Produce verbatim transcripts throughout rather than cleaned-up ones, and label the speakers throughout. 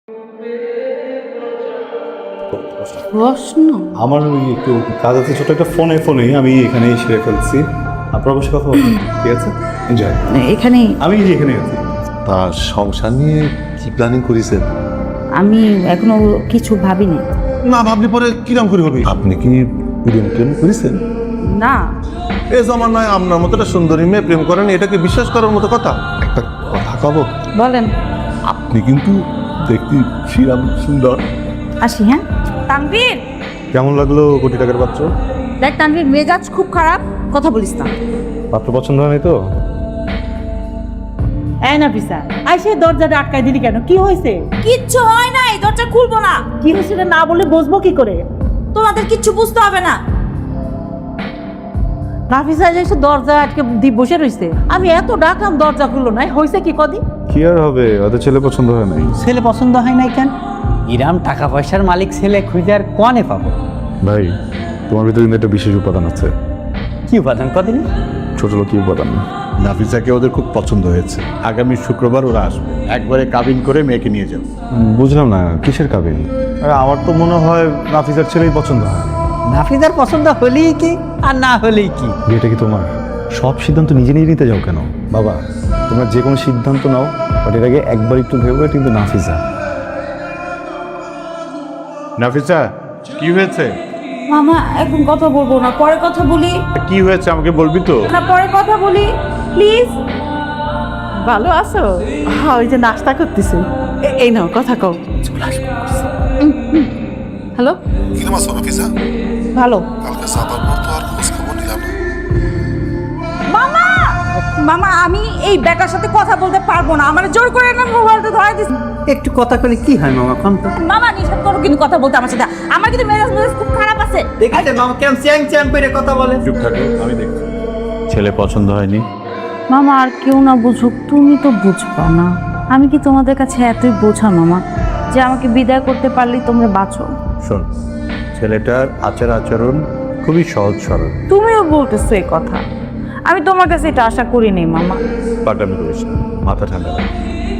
Speaker 1: প্রশ্ন
Speaker 2: আমার ওই একটু কাজ আছে, ছোট একটা ফোনে ফোনে আমি এখানে সেরে ফেলছি। আপনার অবশ্যই কথা বলবেন, ঠিক আছে? এনজয়।
Speaker 1: এখানে
Speaker 2: আমি যে এখানে আছি।
Speaker 3: তা সংসার নিয়ে কি প্ল্যানিং করেছেন?
Speaker 1: আমি এখনো কিছু ভাবিনি।
Speaker 3: না ভাবলে পরে কিরম করে হবে? আপনি কি প্রেম প্রেম করেছেন?
Speaker 1: না,
Speaker 3: এ জমানায় আপনার মতো একটা সুন্দরী মেয়ে প্রেম করেন, এটাকে বিশ্বাস করার মতো কথা? একটা কথা কব,
Speaker 1: বলেন।
Speaker 3: আপনি কিন্তু দেখতে শ্রীরাম সুন্দর।
Speaker 1: আসি। হ্যাঁ তানভীর,
Speaker 2: কেমন লাগলো কোটি টাকার পাত্র?
Speaker 1: দেখ তানভীর, মেজাজ খুব খারাপ, কথা বলিস না।
Speaker 2: পাত্র পছন্দ হয়নি তো?
Speaker 4: এই না পিসা আইসে দরজাটা আটকাই দিলি কেন? কি হয়েছে?
Speaker 1: কিচ্ছু হয় নাই, দরজা খুলবো না।
Speaker 4: কি হয়েছে না বলে বুঝবো কি করে?
Speaker 1: তোমাদের কিচ্ছু বুঝতে হবে না।
Speaker 4: নাফিসা এসে দরজা আটকে দি বসে রয়েছে, আমি এত ডাকলাম দরজা খুললো নাই। হয়েছে কি কদি?
Speaker 2: কি আর হবে, ওদের ছেলে পছন্দ হয় নাই।
Speaker 4: ছেলে পছন্দ হয় নাই কেন?
Speaker 5: ইরাম টাকা পয়সার মালিক ছেলে খুঁজে আর কনে পাবো?
Speaker 2: ভাই, তোমার ভিতরে কিন্তু একটা বিশেষ উপাদান আছে।
Speaker 5: কি উপাদান কদিন?
Speaker 2: ছোট লোক উপাদান।
Speaker 6: নাফিসাকে ওদের খুব পছন্দ হয়েছে। আগামী শুক্রবার ওরা আসবে, একবারে কাবিন করে মেয়েকে নিয়ে যাবে।
Speaker 2: বুঝলাম না, কিসের কাবিন? আরে আমার তো মনে হয় নাফিসার ছেলেই পছন্দ হয়।
Speaker 5: নাফিজার পছন্দ হলেই কি আর না হলেই কি?
Speaker 2: বিয়েটা কি তোমার? সব সিদ্ধান্ত নিজে নিজে নিতে যাও কেন? বাবা, তোমরা যে কোনো সিদ্ধান্ত নাও, বাট এর আগে একবার একটু ভেবে। কিন্তু নাফিসা,
Speaker 6: নাফিসা, কি হয়েছে?
Speaker 1: মামা এখন কথা বলবো না, পরে কথা বলি।
Speaker 6: কি হয়েছে আমাকে বলবি তো?
Speaker 1: না, পরে কথা বলি প্লিজ।
Speaker 4: ভালো আছো? হ্যাঁ, ওই যে নাস্তা করতেছে। এ- এই নাও কথা কও।
Speaker 1: হ্যালো,
Speaker 3: কিরম আছো নাফিসা?
Speaker 1: ভালো।
Speaker 3: কালকে সাবার পর তো আর খোঁজ খবর নিলাম না।
Speaker 1: মামা, মামা আমি এই বেটার সাথে কথা বলতে পারবো না, আমার জোর করে না মোবাইলটা ধরাই দিস।
Speaker 5: একটু কথা কলে কি হয় মামা? কম তো
Speaker 1: মামা নিষেধ করো কিন্তু কথা বলতে আমার সাথে। আমার কিন্তু মেজাজ মেজাজ খুব খারাপ আছে।
Speaker 5: দেখেছেন মামা কেমন চ্যাং চ্যাং করে কথা বলে?
Speaker 6: চুপ থাকো, আমি দেখছি। ছেলে পছন্দ হয়নি?
Speaker 1: মামা আর কেউ না বুঝুক, তুমি তো বুঝবা না। আমি কি তোমাদের কাছে এতই বোঝা মামা যে আমাকে বিদায় করতে পারলেই তোমরা বাঁচো?
Speaker 6: শোন, ছেলেটার আচার আচরণ খুবই সহজ সরল।
Speaker 1: তুমিও বলতেছো এই কথা, আমি তোমার কাছে এটা আশা করিনি মামা।
Speaker 6: পাটামি করিস না, মাথা ঠান্ডা রাখ।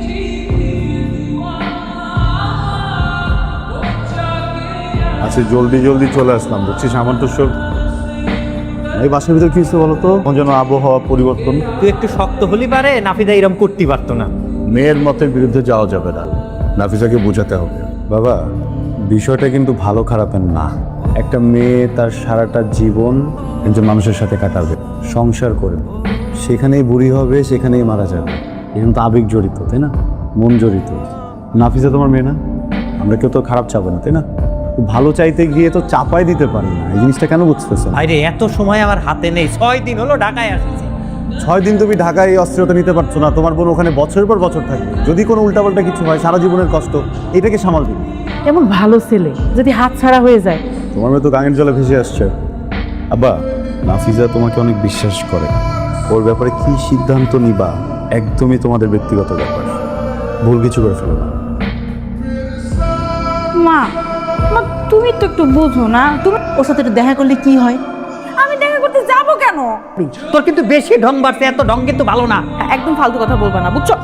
Speaker 6: আচ্ছা, জলদি জলদি চলে আসলাম, বুঝছিস? আমার তো সব
Speaker 2: এই বাসার ভিতরে কি হচ্ছে বলো তো? কোন যেন আবহাওয়া পরিবর্তন।
Speaker 5: তুই একটু শক্ত হলি পারে, নাফিজা এরম করতে পারতো না।
Speaker 6: মেয়ের মতের বিরুদ্ধে যাওয়া যাবে না, নাফিসাকে বোঝাতে হবে।
Speaker 2: বাবা, বিষয়টা কিন্তু ভালো খারাপের না। একটা মেয়ে তার সারাটা জীবন একজন মানুষের সাথে কাটাবে, সংসার করবে, সেখানেই বুড়ি হবে, সেখানেই মারা যাবে। এখানে তো আবেগ জড়িত, তাই না? মন জড়িত। নাফিসা তোমার মেয়ে না? আমরা কেউ তো খারাপ চাবো না, তাই না? ভালো চাইতে গিয়ে তো চাপাই দিতে পারি না। এই জিনিসটা কেন বুঝতেছেন?
Speaker 5: আরে এত সময় আমার হাতে নেই, ছয় দিন হলো ঢাকায় আসছি।
Speaker 2: ছয় দিন তুমি ঢাকায় এই অস্থিরতা নিতে পারছো না, তোমার বোন ওখানে বছরের পর বছর থাকবে। যদি কোনো উল্টাপাল্টা কিছু হয়, সারা জীবনের কষ্ট, এটাকে সামাল দিবে।
Speaker 4: এমন ভালো ছেলে যদি হাত ছাড়া হয়ে যায়।
Speaker 2: তোমার মেয়ে তো গাঙের জলে ভেসে আসছে। আব্বা, নাফিজা তোমাকে অনেক বিশ্বাস করে। ওর ব্যাপারে কি সিদ্ধান্ত নিবা একদমই তোমাদের ব্যক্তিগত ব্যাপার। ভুল কিছু করে ফেলো না।
Speaker 1: মা, মা তুমি তো একটু বোঝো না। তুমি
Speaker 4: ওর সাথে একটু দেখা করলে কি হয়?
Speaker 1: আমি দেখা করতে যাবো কেন?
Speaker 5: তোর কিন্তু বেশি ঢং বাড়ছে, এত ঢং কিন্তু ভালো না।
Speaker 1: একদম ফালতু কথা বলবা না, বুঝছো?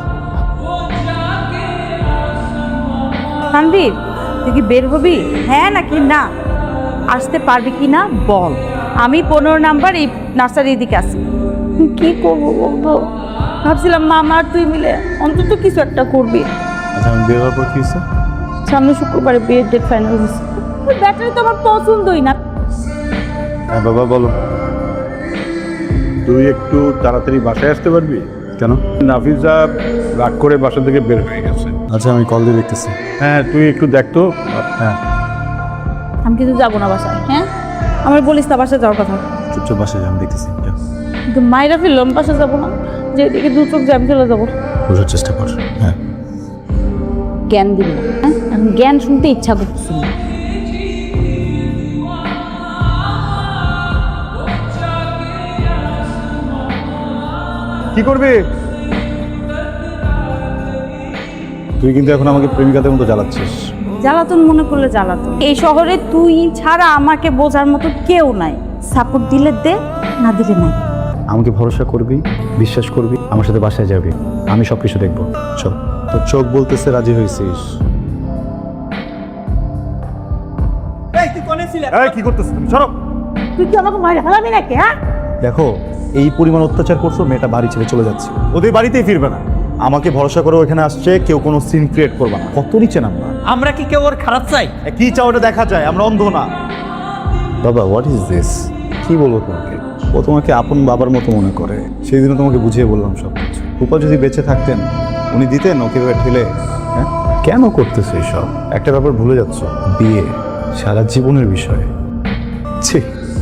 Speaker 1: তানভীর, তুই কি বের হবি, হ্যাঁ নাকি না? আসতে পারবি কি না বল। আমি পনেরো নাম্বার এই নার্সারির দিকে আসি। কি করবো বলতো? ভাবছিলাম মামা আর তুই মিলে অন্তত কিছু একটা করবি।
Speaker 2: আচ্ছা, আমি বের হওয়ার পর কি হচ্ছে?
Speaker 1: সামনে শুক্রবারে বিয়ের ডেট ফাইনাল হয়েছে। ওই ব্যাটারি তো আমার পছন্দই না।
Speaker 2: হ্যাঁ বাবা, বলো।
Speaker 6: তুই একটু তাড়াতাড়ি বাসায় আসতে পারবি?
Speaker 2: কেন?
Speaker 6: নাফিসা রাগ করে বাসা থেকে বের হয়ে গেছে।
Speaker 2: আচ্ছা, আমি কল দিয়ে দেখতেছি।
Speaker 6: হ্যাঁ, তুই একটু দেখ তো।
Speaker 2: হ্যাঁ,
Speaker 1: আমি কিন্তু যাবো না বাসায়। হ্যাঁ, আমার বলিস না বাসায় যাওয়ার কথা।
Speaker 2: চুপচাপ বাসায় যাই, আমি দেখতেছি। যাও।
Speaker 1: কিন্তু মায়েরা ফিরলাম, বাসায় যাবো না। যেদিকে দু চোখ জ্যাম চলে যাবো।
Speaker 2: বোঝার চেষ্টা কর। হ্যাঁ,
Speaker 1: জ্ঞান দিবি না, হ্যাঁ? এখন জ্ঞান শুনতে ইচ্ছা করতেছি না।
Speaker 2: কি করবি তুই? কিন্তু এখন আমাকে প্রেমিকাদের মতো জ্বালাচ্ছিস।
Speaker 1: জ্বালাতন মনে করলে জ্বালাতন। এই শহরে তুই ছাড়া আমাকে বোঝার মতো কেউ নাই। সাপোর্ট দিলে দে, না দিলে নাই।
Speaker 2: আমাকে ভরসা করবি, বিশ্বাস করবি, আমার সাথে বাসায় যাবি, আমি সব কিছু দেখবো। চল। তোর চোখ বলতেছে রাজি হয়েছিস, এই কি করতেছ তুমি? সরো।
Speaker 1: তুই কি আমাকে মারি হারাবি নাকি? হ্যাঁ,
Speaker 2: দেখো এই পরিমাণ অত্যাচার করছো, মেয়েটা বাড়ি ছেড়ে চলে যাচ্ছে, ওদের বাড়িতেই ফিরবে না। আমাকে ভরসা করে এখানে আসছে, কেউ কোনো সিন ক্রিয়েট করবে না। কত নিচে নামবা?
Speaker 5: আমরা কি কেউ ওর খারাপ চাই?
Speaker 2: এ, কি চাও ওটা দেখা যায়, আমরা অন্ধ না। বাবা হোয়াট ইজ দিস? কি বলবো তোমাকে? ও তোমাকে আপন বাবার মতো মনে করে। সেই দিনও তোমাকে বুঝিয়ে বললাম সব কিছু। রূপা যদি বেঁচে থাকতেন, উনি দিতেন ওকে এভাবে ঠেলে? হ্যাঁ, কেন করতেছো এইসব? একটা ব্যাপার ভুলে যাচ্ছ, বিয়ে সারা জীবনের বিষয়। ছি।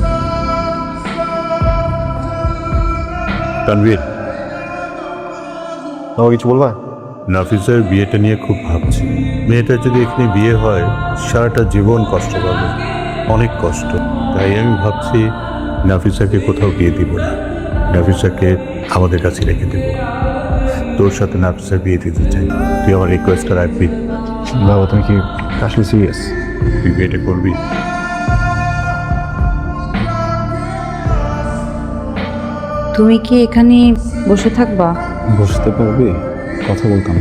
Speaker 7: তানভীর,
Speaker 2: তোমাকে কিছু বলবা?
Speaker 7: নাফিসের বিয়েটা নিয়ে খুব ভাবছি। মেয়েটার যদি এখানে বিয়ে হয়, সারাটা জীবন কষ্ট পাবে, অনেক কষ্ট। তাই আমি ভাবছি নাফিসাকে কোথাও বিয়ে দিব না, নাফিসাকে আমাদের কাছে রেখে দেব। তোর সাথে নাফিসার বিয়ে দিতে চাই, তুই আমার রিকোয়েস্টটা রাখবি?
Speaker 2: বাবা তুমি কি আসলে সিরিয়াস?
Speaker 7: তুই বিয়েটা করবি?
Speaker 1: তুমি কি এখানে বসে থাকবা?
Speaker 2: বসতে পারবে? কথা বলতাম।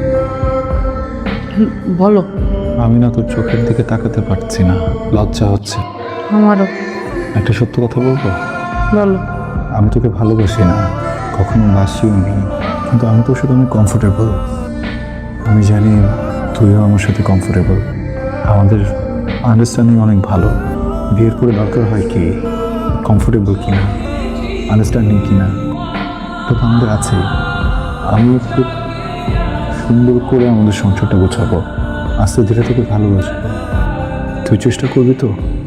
Speaker 1: হুম, বলো।
Speaker 2: আমি না তোর চোখের দিকে তাকাতে পারছি না, লজ্জা হচ্ছে।
Speaker 1: আমারও।
Speaker 2: একটা সত্য কথা বলবো?
Speaker 1: বলো।
Speaker 2: আমি তোকে ভালোবাসি না, কখনো বাসিও নি, কিন্তু আমি তোর সাথে অনেক কমফোর্টেবল। আমি জানি তুইও আমার সাথে কমফোর্টেবল। আমাদের আন্ডারস্ট্যান্ডিং অনেক ভালো। বিয়ের পরে দরকার হয় কি কমফোর্টেবল কিনা, আন্ডারস্ট্যান্ডিং কিনা, তো আমাদের আছেই। আমি খুব সুন্দর করে আমাদের সংসারটা গোছাবো, আস্তে ধীরে তোকে ভালোবাসবো। তুই চেষ্টা করবি তো?